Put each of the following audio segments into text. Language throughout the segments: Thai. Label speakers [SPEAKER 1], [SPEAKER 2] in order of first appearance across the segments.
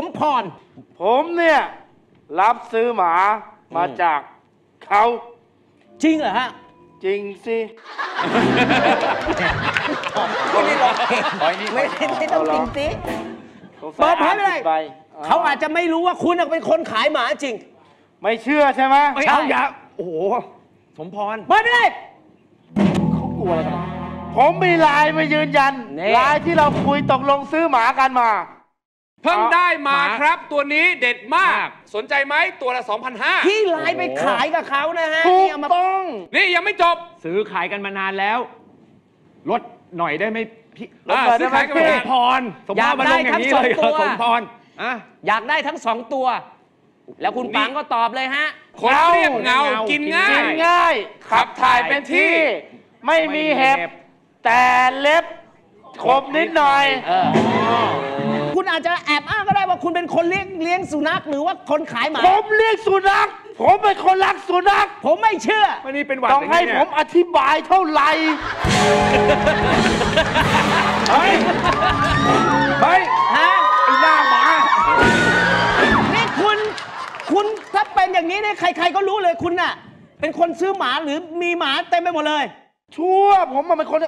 [SPEAKER 1] มพร
[SPEAKER 2] ผมเนี่ยรับซื้อหมามาจากเขา
[SPEAKER 1] จริงเหรอฮะ
[SPEAKER 2] จริงสิ
[SPEAKER 1] ไม่ได้ลองไม่ต้องจริงสิเปิดเผยไม่ได้เขาอาจจะไม่รู้ว่าคุณเป็นคนขายหมาจริง
[SPEAKER 2] ไม่เชื่อใช่ไหม
[SPEAKER 1] ไม่เอาอย่าโอ้โหสมพรเปิดไม่ได้
[SPEAKER 2] เขากลัวอะไรกันผมมีไลน์มายืนยันไลน์ที่เราคุยตกลงซื้อหมากันมา
[SPEAKER 3] เพิ่งได้มาครับตัวนี้เด็ดมากสนใจไหมตัวละ 2,500
[SPEAKER 1] ที่ไลน์ไปขายกับเขานะฮะ
[SPEAKER 2] ถูกต้อง
[SPEAKER 3] นี่ยังไม่จบ
[SPEAKER 4] ซื้อขายกันมานานแล้วลดหน่อยได้ไหมพี่
[SPEAKER 3] ซื้อขายกันมานาน
[SPEAKER 4] พรอยากได้ทั้งสองตัวสมพร
[SPEAKER 1] อยากได้ทั้ง2ตัวแล้วคุณปังก็ตอบเลยฮะ
[SPEAKER 3] คนเรียบเงากินง่าย
[SPEAKER 2] ขับถ่ายเป็นที่ไม่มีเห็บแต่เล็บคมนิดหน่อย
[SPEAKER 1] คุณอาจจะแอบอ้างก็ได้ว่าคุณเป็นคนเลี้ยงสุนัขหรือว่าคนขายหมา
[SPEAKER 2] ผมเลี้ยงสุนัขผมเป็นคนรักสุนัข
[SPEAKER 1] ผมไม่เชื่อ
[SPEAKER 4] วันนี้เป็นหวัด
[SPEAKER 2] ต้องให้ผมอธิบายเท่าไหร่
[SPEAKER 4] เฮ้ย
[SPEAKER 1] ฮะ
[SPEAKER 4] ไอ้หน้าหมา
[SPEAKER 1] นี่คุณถ้าเป็นอย่างนี้เนี่ยใครๆก็รู้เลยคุณน่ะเป็นคนซื้อหมาหรือมีหมาเต็มไปหมดเลย
[SPEAKER 2] ชั่วผมเป็นคน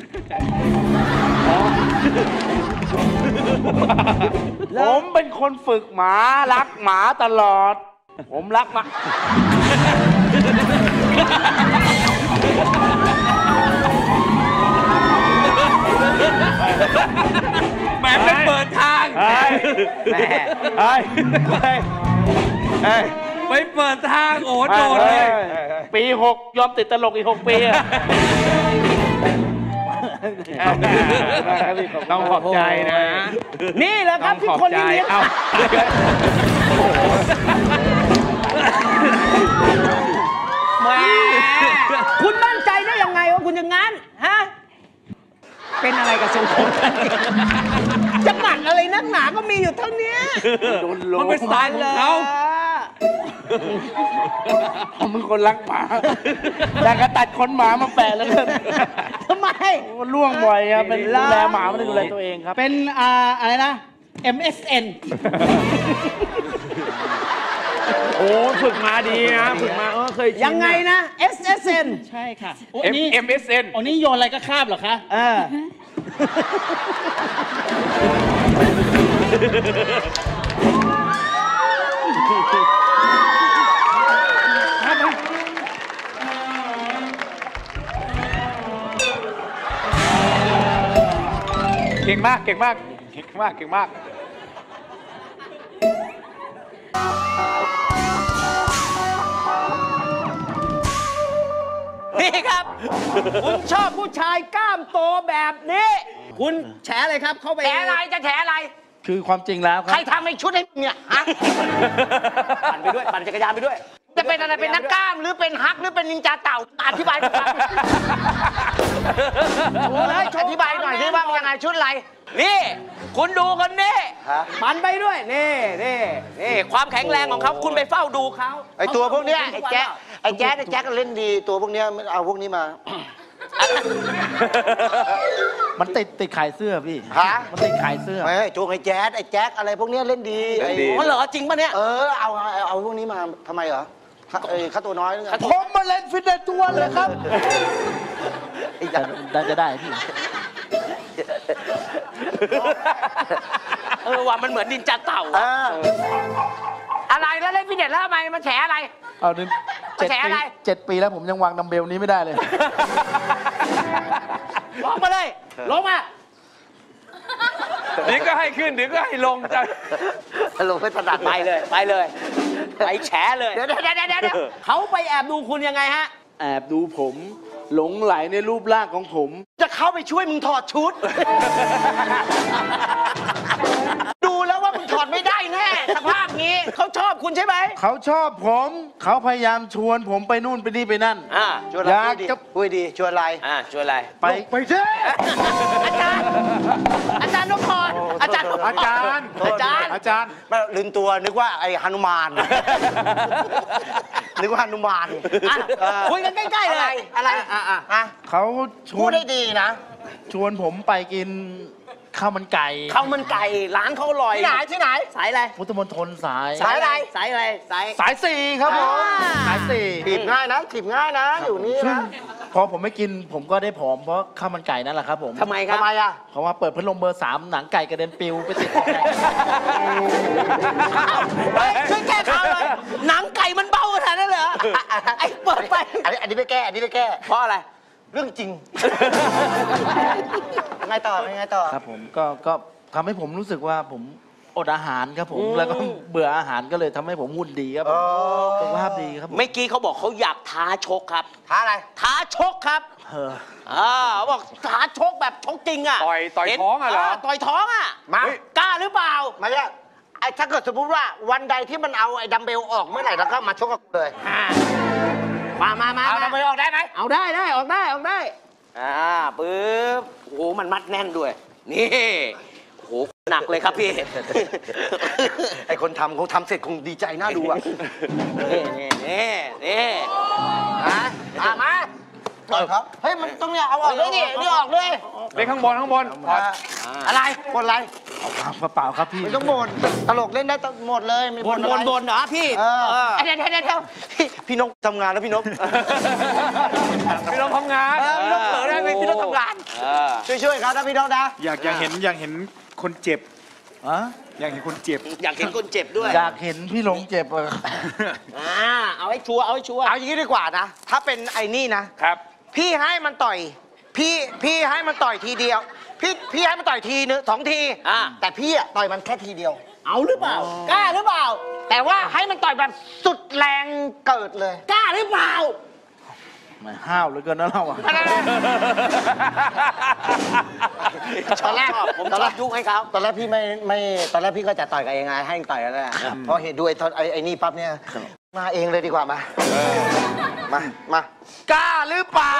[SPEAKER 2] ผมเป็นคนฝึกหมารักหมาตลอดผมรักหมา
[SPEAKER 3] แหมเป็นเปิดทางไปเปิดทางโอ้โดดเลย
[SPEAKER 2] ปี6ยอมติดตลกอีก6 ปี
[SPEAKER 4] ต้องขอบใจนะ
[SPEAKER 1] นี่แหละครับที่คนนี้แหมคุณมั่นใจได้ยังไงว่าคุณอย่างนั้นฮะเป็นอะไรกับทรงผมจะหมั่นอะไรนักหนาก็มีอยู่เท่านี้
[SPEAKER 3] มันเป็นสไตล์ของเขา
[SPEAKER 2] ผมเป็นคนรักหมาอยากจะตัดขนหมามาแปะแล้วกัน
[SPEAKER 1] ทำไม
[SPEAKER 2] ล่วงบ่อยครับเป็นดูแลหมาไม่ได้ดูแลตัวเองครับ
[SPEAKER 1] เป็นอะไรนะ MSN
[SPEAKER 4] โอ้ฝึกมาดีนะฝึกมาเคย
[SPEAKER 1] ยังไงนะ SSN
[SPEAKER 5] ใช่ค่ะ
[SPEAKER 3] MSN
[SPEAKER 5] อันนี้โยนอะไรก็คาบเหรอคะ
[SPEAKER 3] เก่งมาก
[SPEAKER 1] นี่ครับคุณชอบผู้ชายกล้ามโตแบบนี้คุณแฉอะไรครับเข้าไป
[SPEAKER 6] แฉอะไรจะแฉอะไร
[SPEAKER 2] คือความจริงแล้วครับ
[SPEAKER 6] ใครทำให้ชุดให้เนี่ยฮะ
[SPEAKER 1] ปั่นไปด้วยปั่นจักรยานไปด้วย
[SPEAKER 6] จะเป็นอะไรเป็นนักกล้ามหรือเป็นฮักหรือเป็นนินจาเต่าอธิบายหน่อยอธิบายหน่อยที่ว่ายังไงชุดอะไร
[SPEAKER 1] นี่คุณดูคนนี้ปั่นไปด้วยนี่ความแข็งแรงของเขาคุณไปเฝ้าดูเขา
[SPEAKER 6] ไอตัวพวกเนี้ยไอแจ๊คเล่นดีตัวพวกเนี้ยเอาพวกนี้มา
[SPEAKER 2] มันติดขายเสื้อพี่มันติดขายเสื้อ
[SPEAKER 6] ไม่โจงไอแจ๊คอะไรพวกเนี้ยเล่นดี
[SPEAKER 1] อ๋อเหรอจริงปะเนี่ย
[SPEAKER 6] เอาพวกนี้มาทำไมเหรอค่าตัวน้อยนึง
[SPEAKER 2] ผมมาเล่นฟิตเนสทุกวันเลยครับจะได้พี่
[SPEAKER 1] ว่ามันเหมือนนินจาเต่า
[SPEAKER 6] อะไรแล้วเล่นฟิตเนสแล้วทำไมมันแฉอะไร
[SPEAKER 2] เอาดิ7 ปีแล้วผมยังวางดัมเบลนี้ไม่ได้เลย
[SPEAKER 1] ลงมาเลยลงมา
[SPEAKER 3] เดี๋ยวก็ให้ขึ้นเดี๋ยวก็ให้ลงจะ
[SPEAKER 6] ลงไปถนัด
[SPEAKER 1] ไปเลยไปแฉเลยเดี๋ยวเขาไปแอบดูคุณยังไงฮะ
[SPEAKER 2] แอบดูผมหลงไหลในรูปร่างของผม
[SPEAKER 6] จะเข้าไปช่วยมึงถอดชุดดูแล้วว่ามึงถอดไม่ได้แน่สภาพนี้
[SPEAKER 1] เขาชอบคุณใช่ไหม
[SPEAKER 2] เขาชอบผมเขาพยายามชวนผมไปนู่นไปนี่ไปนั่น
[SPEAKER 6] ชวนอะไรดีคุยดีชวนอะไร
[SPEAKER 1] ชวนอะไร
[SPEAKER 2] ไปเช่
[SPEAKER 6] อาจารย์นพพรอาจารย์ลืมตัวนึกว่าไอ้หนุมานนึกว่าหนุมาน
[SPEAKER 1] คุยกันใกล้ๆเลย
[SPEAKER 6] อะไร
[SPEAKER 2] เขา
[SPEAKER 6] พูดได้ดีนะ
[SPEAKER 2] ชวนผมไปกินข้าวมันไก่
[SPEAKER 1] ข้าวมันไก่ร้านเขาอร่อย
[SPEAKER 6] ที่ไหน
[SPEAKER 1] สายอะไร
[SPEAKER 2] พุทธมณฑลสาย
[SPEAKER 1] สายอะไรสายอะไรสาย
[SPEAKER 2] สายสี่ครับผม สายสี่
[SPEAKER 6] ถีบง่ายนะถีบง่ายนะ อยู่นี่
[SPEAKER 2] ซึ่ง
[SPEAKER 6] นะ
[SPEAKER 2] พอผมไม่กินผมก็ได้ผอมเพราะข้าวมันไก่นั่นแหละครับผม
[SPEAKER 1] ทำไมครับ
[SPEAKER 6] ทำไมอ่ะ
[SPEAKER 2] เพราะว่าเปิดพัดลมเบอร์ 3 หนังไก่กระเด็นปิวไปติด
[SPEAKER 1] เฮ้ยช่วยแก้ข่าวเลยหนังไก่มันเบาขนาดนั้นเหรอไอ้เปิดไป
[SPEAKER 6] อันนี้ไปแก้ อันนี้ไปแก้
[SPEAKER 1] เพราะอะไร
[SPEAKER 6] เรื่องจริง ไงต่อไงต่อ
[SPEAKER 2] ครับผมก็ทำให้ผมรู้สึกว่าผมอดอาหารครับผม แล้วก็เบื่ออาหารก็เลยทำให้ผมหุ่นดีครับผมสุขภาพดีครับผม
[SPEAKER 1] เมื่อกี้เขาบอกเขาอยากท้าชกครับ
[SPEAKER 6] ท้าอะไร
[SPEAKER 1] ท้าชกครับ
[SPEAKER 2] เออ
[SPEAKER 1] เขาบอกท้าชกแบบชกจริงอ่ะ
[SPEAKER 3] ต่อยท้องอะเหรอ
[SPEAKER 1] ต่อยท้องอ่ะ
[SPEAKER 6] มา
[SPEAKER 1] กล้าหรือเปล่า
[SPEAKER 6] มาเนี่ยไอ้ถ้าเกิดสมมติว่าวันใดที่มันเอาไอ้ดัมเบลออกเมื่อไหร่แล้วก็มาชกกับกูเลย
[SPEAKER 1] มา
[SPEAKER 6] เอาดัมเบลออกได้ไหม
[SPEAKER 1] เอาได้ออกได้ปึ๊บโอ้โหมันมัดแน่นด้วย นี่โอ้โหหนักเลยครับพี่
[SPEAKER 6] ไอ้คนทำเขาทำเสร็จคงดีใจน่าดูอ่ะ
[SPEAKER 1] นี่
[SPEAKER 6] ฮะมาครับ เฮ้ย มันต้องเนี่ยเอาออกด้วยดินี่ออกเลย
[SPEAKER 3] เล่นข้างบนถอด
[SPEAKER 6] อะไรบ่นอะไร
[SPEAKER 2] เปล่าครับพี่
[SPEAKER 6] ไม่ต้องบ่นตลกเล่นได้หมดเลยไม่
[SPEAKER 1] บ
[SPEAKER 6] บ่
[SPEAKER 1] น
[SPEAKER 6] นอะไร
[SPEAKER 1] เหรอพี่
[SPEAKER 6] เออ
[SPEAKER 1] เดี๋ยวพี่นกทำงานแล้วพี่นก
[SPEAKER 3] พี่น้องทำงาน
[SPEAKER 1] พี่นกเผลอได้ไหมพี่นกทำงาน
[SPEAKER 6] ช่วยๆครับนะพี่น้องนะ
[SPEAKER 4] อยากเห็นคนเจ็บ
[SPEAKER 2] อะ
[SPEAKER 4] อยากเห็นคนเจ็บ
[SPEAKER 1] อยากเห็นคนเจ็บด้วย
[SPEAKER 2] อยากเห็นพี่หลงเจ็บอะ
[SPEAKER 1] เอาให้ชัวร์
[SPEAKER 6] เอาอย่างนี้ดีกว่านะ ถ้าเป็นไอ้นี่นะ
[SPEAKER 3] ครับ
[SPEAKER 6] พี่ให้มันต่อย พี่ให้มันต่อยทีเดียว พี่ให้มันต่อยทีนึง2 ที แต่พี่อะต่อยมันแค่ทีเดียว
[SPEAKER 1] เอาหรือเปล่ากล้าหรือเปล่า
[SPEAKER 6] แต่ว่าให้มันต่อยแบบสุดแรงเกิดเลย
[SPEAKER 1] กล้าหรือเปล่า
[SPEAKER 2] ไม่ห้าวเหลือเกินนะเราอะ
[SPEAKER 6] ตอนแรก
[SPEAKER 1] ผมชอบยุให้เขา
[SPEAKER 6] ตอนแรกพี่ไม่ตอนแรกพี่ก็จะต่อยกับเองไงให้ต่อยกันแหละพอเห็นด้วยไอ้นี่ปั๊บเนี่ยมาเองเลยดีกว่ามา มากล้าหรือเปล่า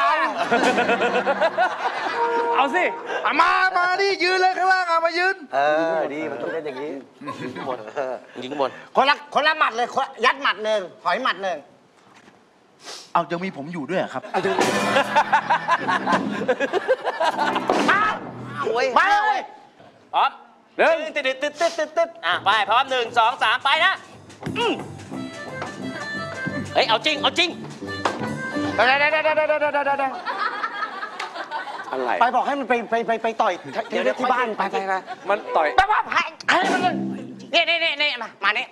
[SPEAKER 3] เอาสิ
[SPEAKER 2] มาดิยืนเลยข้างล่างอะมายืน
[SPEAKER 6] ดีมันต้องเป็นอย่างนี้
[SPEAKER 1] ยิงบน
[SPEAKER 6] คนละหมัดเลยยัดหมัดหนึ่งถอยหมัดหนึ่ง
[SPEAKER 2] เอายังมีผมอยู่ด้วยเหรอครับ
[SPEAKER 6] มาเลย
[SPEAKER 1] พร้อม
[SPEAKER 3] หนึ่ง
[SPEAKER 1] ตึ๊ดไปพร้อม1 2 3ไปนะเฮ้ยเอาจริง
[SPEAKER 3] อะไร
[SPEAKER 6] ไปบอกให้มันไปต่อยที่บ้านไป
[SPEAKER 3] มันต่อย
[SPEAKER 6] แปลว่าให้มันนี่มานี่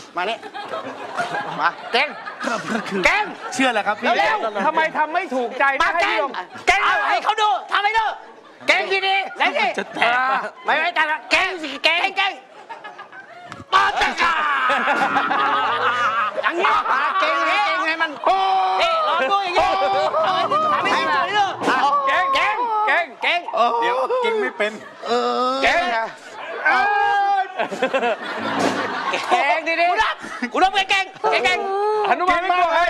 [SPEAKER 6] มาเก่ง
[SPEAKER 2] เก่งเชื่อแหละครับพี่
[SPEAKER 6] เร็ว
[SPEAKER 3] ทำไมทำไม่ถูกใจ
[SPEAKER 6] มา
[SPEAKER 3] ให้
[SPEAKER 6] เก่
[SPEAKER 3] พี่
[SPEAKER 6] ง
[SPEAKER 3] ลง
[SPEAKER 6] เก่ง
[SPEAKER 1] เอาให้เขาดูทำให้ดู
[SPEAKER 6] เก่งดีดีๆได้ดิ
[SPEAKER 2] จะแตกปะ
[SPEAKER 6] ไม่แต่เก่งสิเก่งปาจังกาอย่างนี้เก่งให้มันโอ้
[SPEAKER 1] นี่ลองดูอย่างนี้เอาให้ดูทำให้ดู
[SPEAKER 3] เก่ง
[SPEAKER 1] เก่ง
[SPEAKER 4] เดี๋ยวเก่งไม่เป็น
[SPEAKER 3] เก่ง
[SPEAKER 6] เก่งดีดี
[SPEAKER 1] กูรับเก่ง
[SPEAKER 3] หนุมานไม่กลัวใคร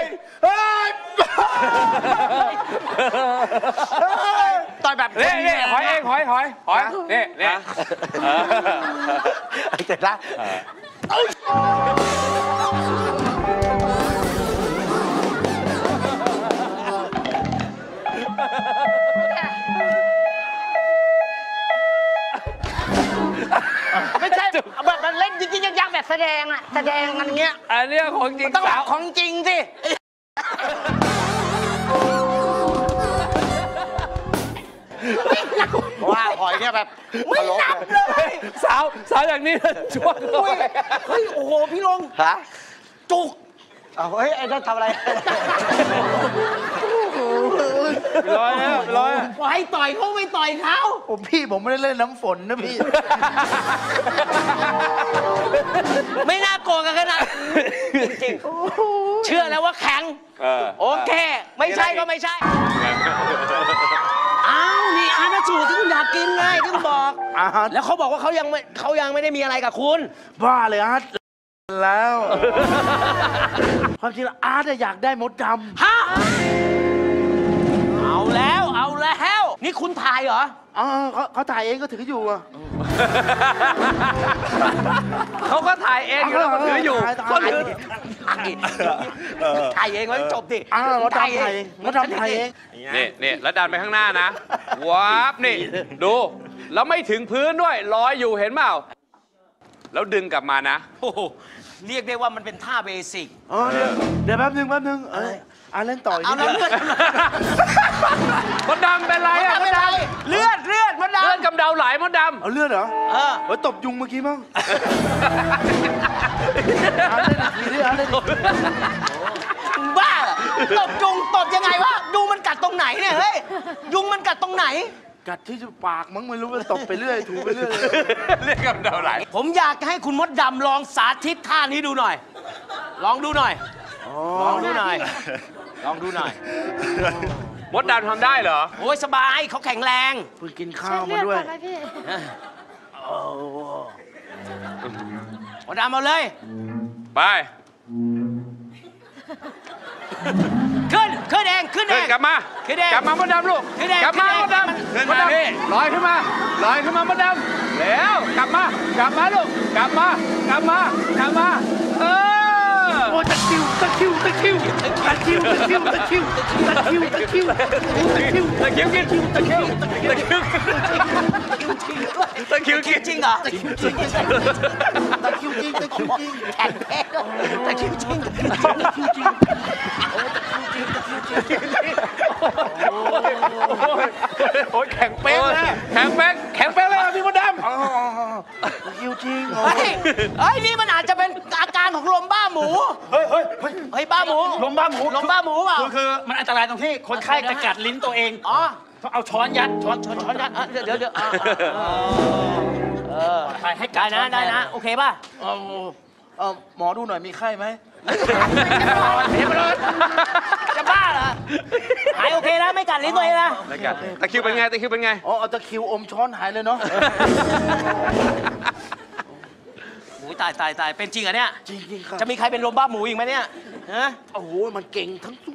[SPEAKER 6] ต่อยแบบ
[SPEAKER 3] นี่หอยเองหอยนี่
[SPEAKER 6] เสร็จแล้ว ไม่ใช่แบบมันเล่นจริงๆยังแบบแสดงกันเงี้ย
[SPEAKER 3] อันนี้ของจริง
[SPEAKER 6] ต้อง
[SPEAKER 3] สาว
[SPEAKER 6] ของจริงสิว่าหอยเนี่ยแบบไม่นับเลย
[SPEAKER 3] สาวอย่างนี้ช่วง
[SPEAKER 1] เฮ้ยโอ้โหพี่ลง
[SPEAKER 6] ฮะจุกเอาเฮ้ยไอ้นั่นทำอะไร
[SPEAKER 2] ร้อยแล้ว
[SPEAKER 1] ปล่อยต่อยเขาไม่ต่อยเขา
[SPEAKER 2] ผมไม่ได้เล่นน้ำฝนนะพี่
[SPEAKER 1] ไม่น่าโกงกันขนาดจริงเชื่อแล้วว่าแข็งโอเค ไม่ใช่ก็ไม่ใช่อ้าวนี่อาณาสูตรที่คุณอยากกินไงที่คุณบอก แล้วเขาบอกว่าเขายังไม่ได้มีอะไรกับคุณ
[SPEAKER 2] บ้าเลยอาร์ตแล้ว ความจริงแล้วอาร์ตอยากได้มดดำ
[SPEAKER 1] ฮะเอาแล้ว นี่คุณถ่ายเหรอ
[SPEAKER 2] เขาถ่ายเองก็ถืออยู่อะ
[SPEAKER 3] เขาก็ถ่ายเองแล้วก็ถืออยู่
[SPEAKER 2] ก็ถือ
[SPEAKER 1] ถ่ายเองไว้จบดิ
[SPEAKER 2] มดดำถ่ายเองมดดำถ่ายเอง
[SPEAKER 3] นี่แล้วดันไปข้างหน้านะว้าบนี่ดูแล้วไม่ถึงพื้นด้วยลอยอยู่เห็นเปล่าแล้วดึงกลับมานะ
[SPEAKER 1] โอ้โหเรียกได้ว่ามันเป็นท่าเบสิก
[SPEAKER 2] อ๋อเดี๋ยวแป๊บนึงเล่นต่ออีก
[SPEAKER 1] เอา
[SPEAKER 2] นิด
[SPEAKER 1] แล้ว
[SPEAKER 2] นึง
[SPEAKER 1] เลือด
[SPEAKER 3] มดดำเป็นไรอะ
[SPEAKER 1] ไม่เป็นไรเลือดมันดำ
[SPEAKER 3] เลือดกำเดาไหลมดด
[SPEAKER 2] เอาเลือดเหรอ
[SPEAKER 1] เออ
[SPEAKER 2] เฮ้ยตบยุงเมื่อกี้มั้ง
[SPEAKER 3] ำ
[SPEAKER 2] เล่นอีกทีดิเล่นอีกที
[SPEAKER 1] บ้าเหรอตบยุงตบยังไงวะยุงมันกัดตรงไหนเนี่ยเฮ้ยยุงมันกัดตรงไหน
[SPEAKER 2] กัดที่ปากมั้งไม่รู้ว่าตบไปเรื่อยถูไปเรื่อย
[SPEAKER 3] เลือดกำเดาไหล
[SPEAKER 1] ผมอยากให้คุณมดดำลองสาธิตท่านี้ดูหน่อย ลองดูหน่อย ลองดูหน่อย ลองดูหน่อย
[SPEAKER 3] มดดำทำได้เหรอ
[SPEAKER 1] โอ้ยสบายเขาแข็งแรง
[SPEAKER 2] เพิ่งกินข้าวมาด้วย
[SPEAKER 1] มดดำเอาเลย
[SPEAKER 3] ไป
[SPEAKER 1] ขึ้นเองขึ้นเอ
[SPEAKER 3] เดิน
[SPEAKER 1] ง
[SPEAKER 3] กลับมา
[SPEAKER 1] ขึ้นเอง
[SPEAKER 3] กลับมามดดำลูก
[SPEAKER 1] ขึ้นเอง
[SPEAKER 3] กลับมา
[SPEAKER 1] ขึ้
[SPEAKER 3] ม
[SPEAKER 1] น
[SPEAKER 3] ด
[SPEAKER 1] เอง
[SPEAKER 3] ดำ
[SPEAKER 1] ขึ้น
[SPEAKER 3] ม
[SPEAKER 1] มา
[SPEAKER 3] ดดำลอยขึ้นมามดดำแล้วกลับมาลูกกลับมาเออ
[SPEAKER 2] โอ้ตะคิวกิน
[SPEAKER 3] ตะคิวกิน
[SPEAKER 1] จริงเหรอ
[SPEAKER 2] ตะคิวจริง
[SPEAKER 1] แข็งแรงแต่คิวจริง
[SPEAKER 3] โอ้ยแข็งเป๊กเลยแข็งเป๊กเลยพี่มดดำ
[SPEAKER 2] ตะคิวจริง
[SPEAKER 1] เฮ้ยนี่มันอาจจะเป็นอาการของลมบ้าหมู เฮ้ยบ้าหมู
[SPEAKER 4] ลมบ้าหมู
[SPEAKER 1] ลมบ้าหมูเปล่า
[SPEAKER 4] คือมันอันตรายตรงที่คนไข้จะกัดลิ้นตัวเอง
[SPEAKER 1] อ๋อ
[SPEAKER 4] ต้องเอาช้อนยัดช้อน
[SPEAKER 1] ช้อนกันเดี๋ยว
[SPEAKER 4] ให้
[SPEAKER 1] ได้นะได้นะโอเคป่ะ
[SPEAKER 2] หมอดูหน่อยมีไข้ไหม
[SPEAKER 1] จะบ้าเหรอหายโอเคนะไม่กัดลิ้นตัวเองนะ
[SPEAKER 3] ตะคิวเป็นไง
[SPEAKER 2] อ๋อเอาตะคิวอมช้อนหายเลยเนาะ
[SPEAKER 1] โอ้ยตายเป็นจริงเหรอเนี่ย
[SPEAKER 2] จริงครับ
[SPEAKER 1] จะมีใครเป็นลมบ้าหมูอีกไหมเนี่ยฮะ
[SPEAKER 2] โอ้โหมันเก่งทั้งสู้